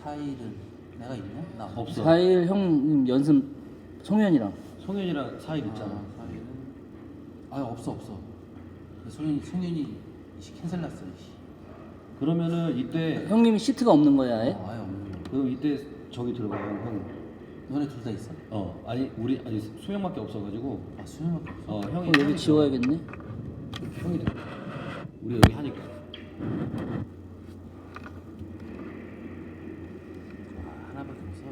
4일은 내가 있냐? 나 없어. 4일 형님 연습 송현이랑. 송현이랑 4일 있잖아. 4일은 없어. 송현이 캔슬 났어. 그러면은 이때 형님이 시트가 없는 거야, 아예? 아예 없는 거. 그럼 이때 저기 들어가요 형. 너네 둘 다 있어? 아니 수영밖에 없어가지고. 아 수영밖에 없어. 형이 그럼 여기 지워야겠네. 형이 돼. 우리 여기 하니까. 하나밖에 없어.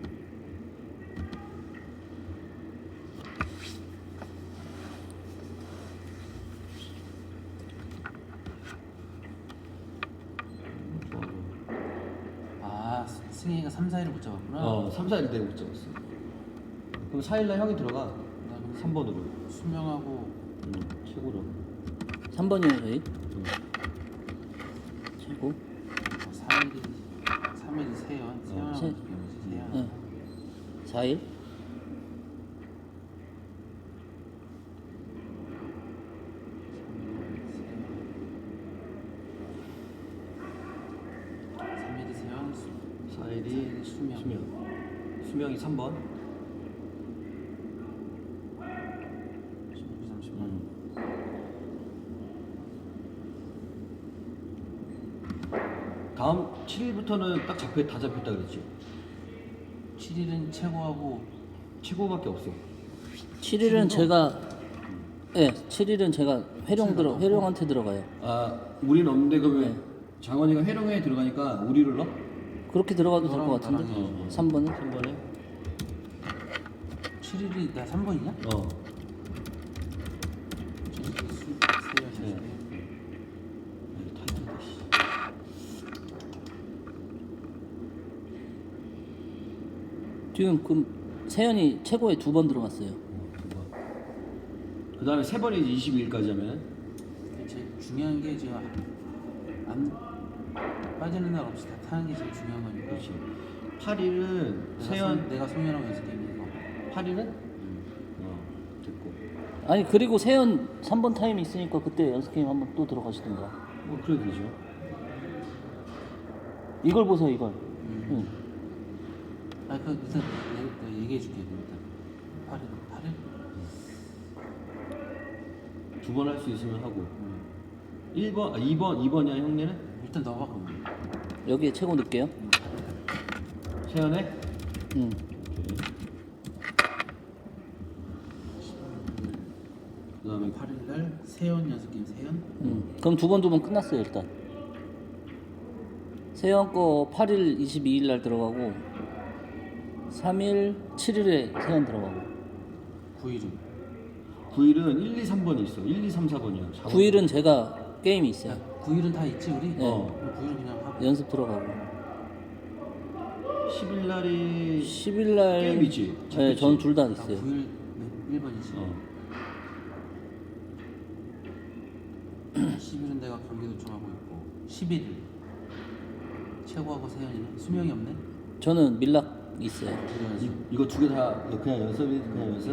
아 승희가 3, 4일을 못 잡았구나. 3, 4일 내가 못 잡았어. 그럼 4일날 형이 들어가. 나 그럼 3번으로. 수명하고 최고로. 3번이에요, 저희. 최고. 3일이 세연하고 세- 세연. 네. 4일. 3일이 세연, 4일이 수명. 수명이 3번. 16, 30만. 음. 다음 7일부터는 딱 다 잡혔다 그랬지. 7일은 최고하고 최고밖에 없어. 7일은 제가, 예, 7일은 제가 회룡한테 들어가요. 우리는 없는데 그러면 네. 장원이가 회룡에 들어가니까 우리를 넣어? 그렇게 들어가도 될 것 너랑 같은데? 나랑 3번은? 3번에? 7일이 나 3번이냐? 7일이 세연. 타이트하다 씨. 지금 그럼 세연이 최고에 2번 들어갔어요. 그 다음에 3번이 22일까지 하면 제일 중요한 게 지금 안 빠지는 날 없이 다 타는 게 제일 중요한 거니까. 그렇지. 8일은 세연 내가 송현하고 연습했는 거. 8일은? 됐고. 아니, 그리고 세연 3번 타임이 있으니까 그때 연습 게임 한번 또 들어가시든가. 뭐 그래도 되죠. 이걸 보세요, 이걸. 응. 그 일단 내가 얘기해 줄게. 일단 8일. 2번 할 수 있으면 하고. 1번, 2번이야 형네는? 일단 넣어봐 그러면. 여기에 최고 넣을게요. 세연에? 응. 그 다음에 8일 날 세연 연습 게임 세연. 응. 그럼 2번 끝났어요, 일단. 세연 거 8일 22일 날 들어가고 3일 7일에 세연 들어가고 9일은 9일은 1, 2, 3번이 있어. 1, 2, 3, 4번이야. 9일은 제가 게임이 있어요. 9일은 다 있지 우리? 네. 그럼 9일은 그냥 하고. 연습 들어가고 10일 날이 10일 날 게임이지. 네, 전 둘 다 나 있어요. 9일 1번이지. 10일은 내가 경기 도청하고 있고 11일 최고하고 세연이는 수명이 없네. 저는 밀락 있어요. 그래가지고 이거 2개 다 그냥 연습이 그냥 연습?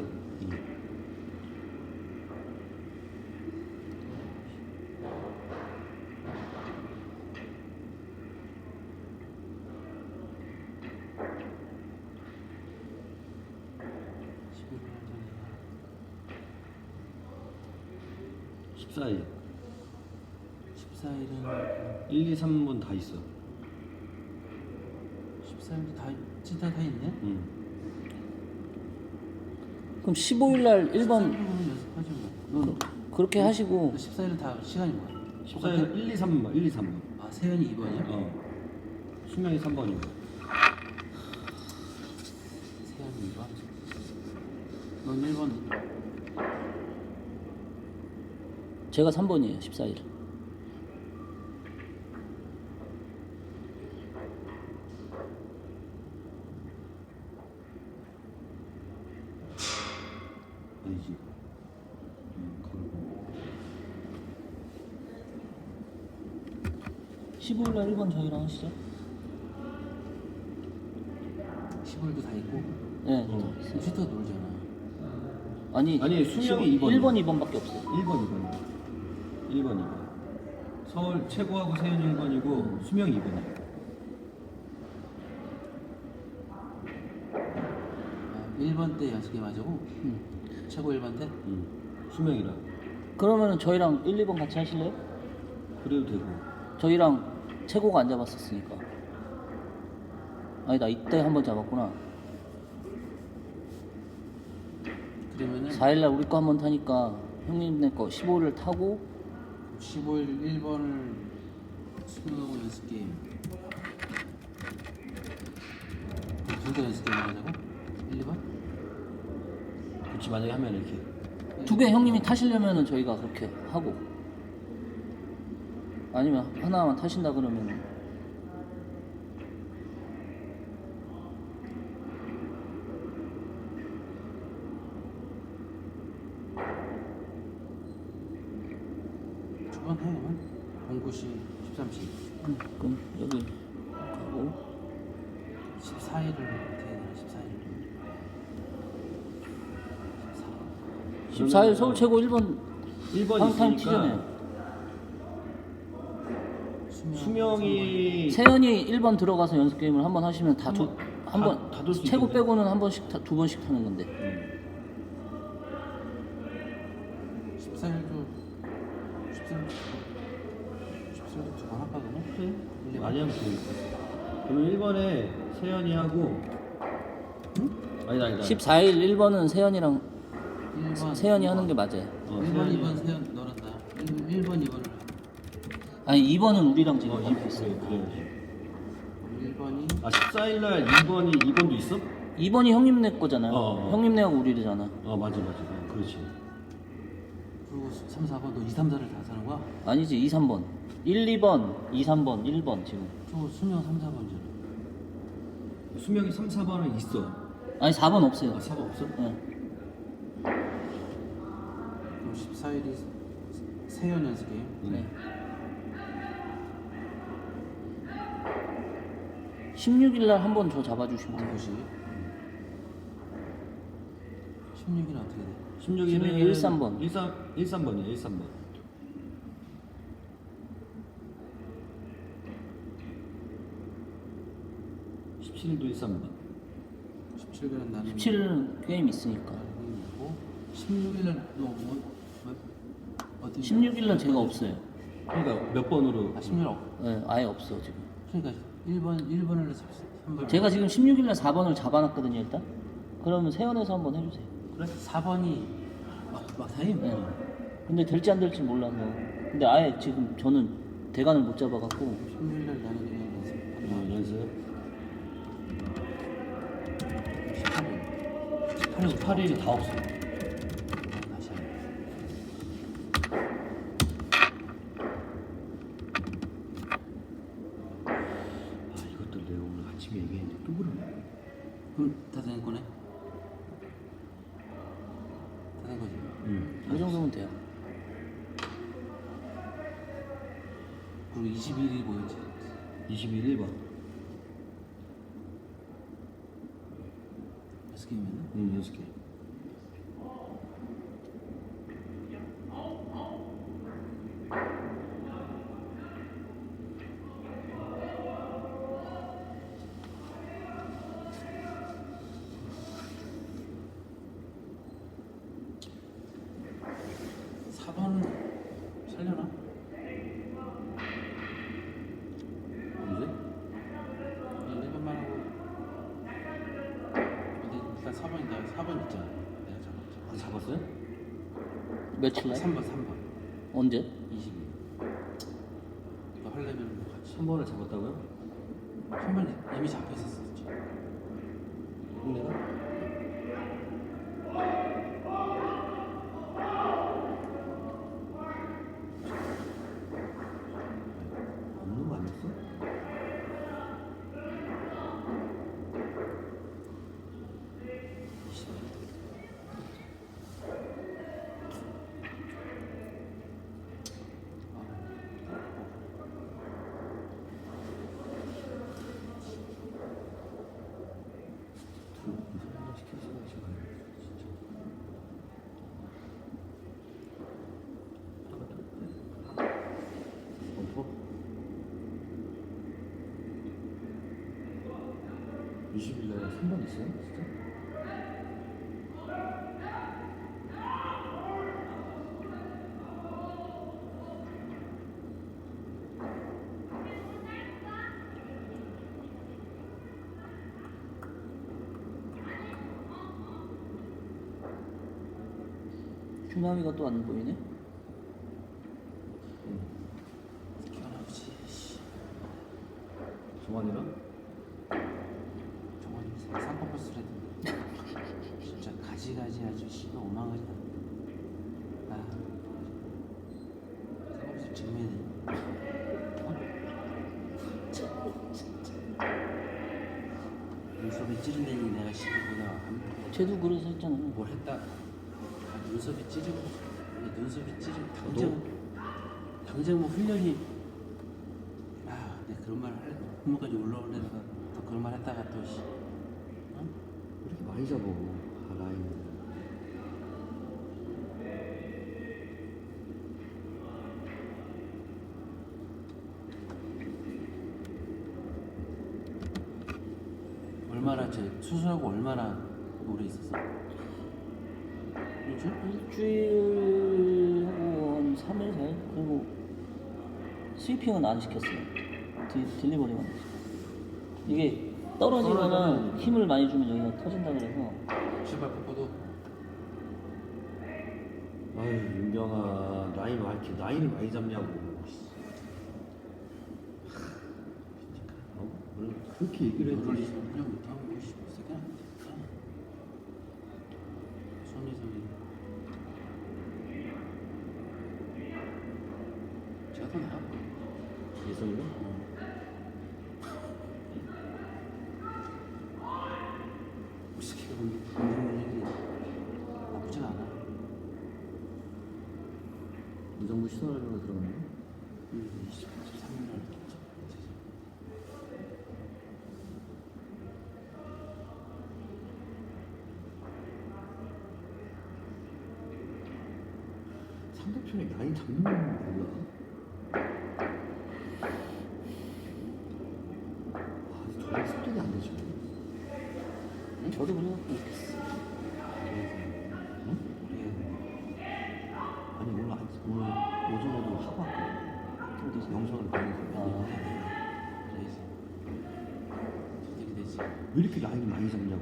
일 14일 14일은 1, 2, 3번 다 있어. 14일도 다 있지 다 있네. 그럼 15일 날 1번 14일은 연습하지 뭐. 그렇게 하시고 14일은 다 시간이 뭐야? 14일은 1, 2, 3번 1, 2, 3번. 아 세연이 2번이야? 수명이 3번이고. 세연이 2번. 넌 1번. 제가 3번이에요. 14일. 아니지. 15일 날 1번 저희랑 하시죠. 15일도 다 있고. 네. 슈터 놀잖아. 아니 수명이 2번. 1번, 2번밖에 없어요. 1번, 2번. 서울 최고하고 세연 1번이고 수명 2번이야. 1번 때 연습 게임 하자고? 응. 최고 1번 때? 수명이라. 그러면은 저희랑 1, 2번 같이 하실래요? 그래도 되고. 저희랑 최고가 안 잡았었으니까. 아니다, 이때 한 번 잡았구나. 그러면은 4일날 우리 거 한 번 타니까 형님네 거 15를 타고 15일 1번을 수능하고 연습 게임. 둘다 연습 게임 하자고? 1, 2번? 그렇지, 만약에 하면 이렇게. 두 개 형님이 타시려면은 저희가 그렇게 하고, 아니면 하나만 타신다 그러면 두번 해 그러면? 09시 13시 그럼 여기 가고 14일을 어떻게 해야 되나 14일을 14일 서울 최고 1번 1번 한타임 있으니까 튀잖아요. 수명이 세연이 1번 들어가서 연습 게임을 한 번 하시면 다 돌수 최고 있겠네. 빼고는 한 번씩 두 번씩 타는 건데. 14일도 14일도 두 번 할까 그러면? 그래? 많이 하면 되겠다. 그러면 1번에 세연이 하고 아니다 14일 1번은 세연이랑 1번 세연이 하는 게 맞아요. 1번 2번 세연 너란다 1번 2번을 아니 2번은 우리랑 지금 이렇게 있어요. 그래야지. 1번이 아 14일날 2번도 있어? 2번이 형님네 거잖아요. 어. 형님네하고 우리잖아. 맞아 그렇지. 그리고 3, 4번 너 2, 3, 4를 다 사는 거야? 아니지 2, 3번 1, 2번 2, 3번 1번 지금. 저거 수명 3, 4번이잖아 수명이 3, 4번은 있어. 아니 4번 없어요. 4번 없어? 네. 그럼 14일이 세연 연습 게임 네. 16일 날 한 번 저 잡아주시면 돼요. 09시 16일은 어떻게 돼? 16일은 13번. 13번이야 13번. 17일도 13번. 17일은 나는 17일은 게임 있으니까. 있고 16일은 너 어디 16일 날 제가 없어요. 그러니까 몇 번으로? 16일 네, 아예 없어 지금. 그러니까 1번을 3번 제가 지금 16일 날 4번을 잡아놨거든요 일단. 그러면 세연에서 한번 해주세요. 그래? 4번이 막타임? 네. 근데 될지 안 될지 몰라서. 근데 아예 지금 저는 대관을 못 잡아갖고 16일날 나는 그냥 연습 연습. 18일 18일이 다 없어. 다시 하자 이것들 내가 오늘 아침에 얘기했는데 또 그러네. 그럼 다 된 거네? 다 된 거지? 이 정도면 돼요. 그리고 20일이 뭐였지? 21일 1번. 연습 게임이었나? 연습 게임. 살려나? 언제? 1번만 하고 근데 일단 4번이다 4번 있잖아 내가 잡았지 잡았어요? 며칠 날? 3번 언제? 20일 이거 하려면 뭐 같이 3번을 잡았다고요? 3번 이미 잡혀 있었었지 내가? 없는 거 아니었어? 어? 20일 날에 3번 있어요? 진짜? 중남이가 또 안 보이네. 할아버지 씨. 정환이랑? 정말 쌍꺼풀 쓰레기 진짜 가지가지 아주 씨가 오망가지다. 아 쌍꺼풀 증명해. 눈썹이 찌른다니 내가 씨보다 쟤도 그래서 했잖아. 뭘 했다. 아, 눈썹이 찌르고 눈썹이 찌르고 당장 뭐 훈련이 내가 그런 말 할래 부모까지 올라오려다가 또 그런 말 했다가 또 씨. 어? 왜 이렇게 많이 잡아? 아, 라인. 얼마나 수술하고 얼마나 오래 있었어? 일주일? 일주일하고 한 3일 4일 그리고 스위핑은 안 시켰어요. 딜리버리만 했어요. 이게 떨어지면은 힘을 많이 주면 여기가 터진다 그래서 신발 뻗어도 아유, 윤경아, 라인 왜 이렇게 라인을 많이 잡냐고. 왜 그렇게 얘기를 너를 해도 훈련 못하고 씨 새끼야. 손예성이 제가 더 나아. 예성이가? 우리 새끼가 운동 능력이 나쁘진 않아. 이정부 시설하려고 들어갔네. 23일 날 상대편에 라인 잡는 건 몰라. 저게 습득이 안 되죠. 저도 그래갖고 못했어. 응? 아니 오늘 오전에도 하고 왔거든. 어디서? 영상을 보내서 그래서 어떻게 되지? 왜 이렇게 라인을 많이 잡냐고.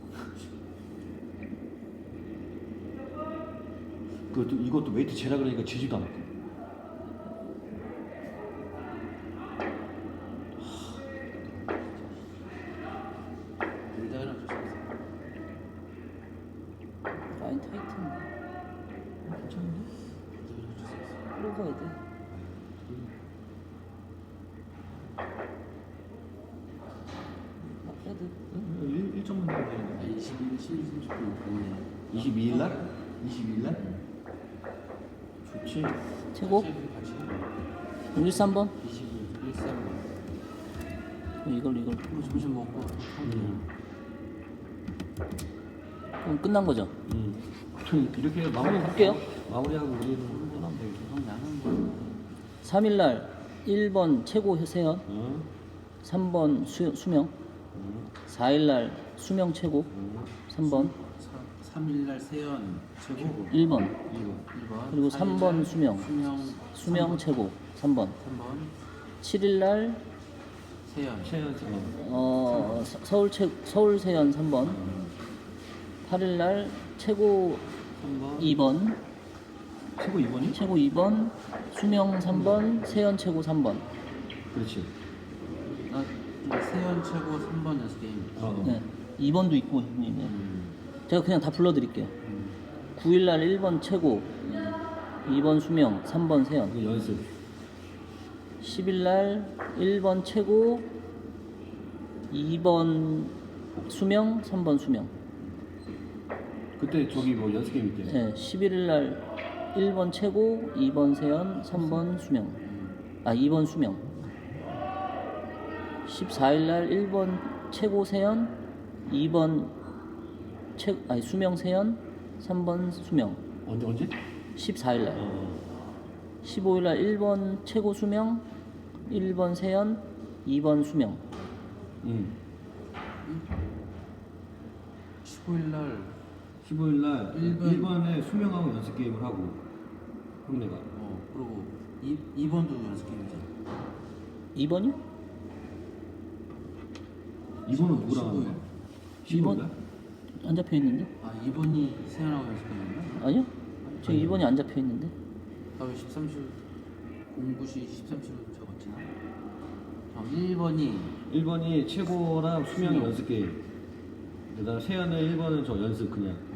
이것도 웨이트 재라 그러니까 재지도 않고. 놀다가는 어쩔 수 없어. 라인 타이트한데. 괜찮은데? 놀다가는 어쩔 수 없어. 끌어가야 돼. 헤드. 1점만 넣어야 되는데. 21일 30분 공원에 22일 날? 22일 날? 좋지. 최고? 같이 13번? 22일 13분. 이걸 그리고 점심 먹고 그럼 끝난 거죠? 이렇게 마무리 할게요. 마무리하고 우리는 떠나면 되겠어. 그럼 나는 뭐 3일날 1번 최고 세연, 응? 3번 수명, 4일날 수명 최고, 3번, 3일날 세연 최고 1번, 1번 그리고 3번 수명, 수명 3번, 최고, 3번. 3번 7일날 세연 서울 세연 3번, 8일날 최고 3번. 2번, 최고 2번이? 최고 2번, 수명 3번, 세연 최고 3번. 그렇지. 세연 최고 3번 연습 게임. 네, 2번도 있고 형님. 네. 제가 그냥 다 불러드릴게요. 9일날 1번 최고, 2번 수명, 3번 세연. 이거 연습. 10일날 1번 최고, 2번 수명, 3번 수명. 그때 저기 뭐 연습 게임 있대. 네, 11일날 1번 최고, 2번 세연, 3번 수명. 2번 수명. 14일날 1번 최고 세연, 2번 수명 세연, 3번 수명. 언제? 14일날. 15일날 1번 최고 수명, 1번 세연, 2번 수명. 15일날 15일 날 1번. 1번에 수명하고 연습 게임을 하고 형네가 그리고 2번도 연습 게임이잖아. 2번이요? 2번은 누구랑 하는 거야? 2번? 15일 날? 안 잡혀 있는데? 2번이 세연하고 연습 게임인가? 아니요? 지금 2번이 안 잡혀 있는데. 나왜 13시 공구시 13시로 적었지? 1번이 1번이 최고랑 수명 수명. 연습 게임. 그다음 세연은 1번은 저 연습 그냥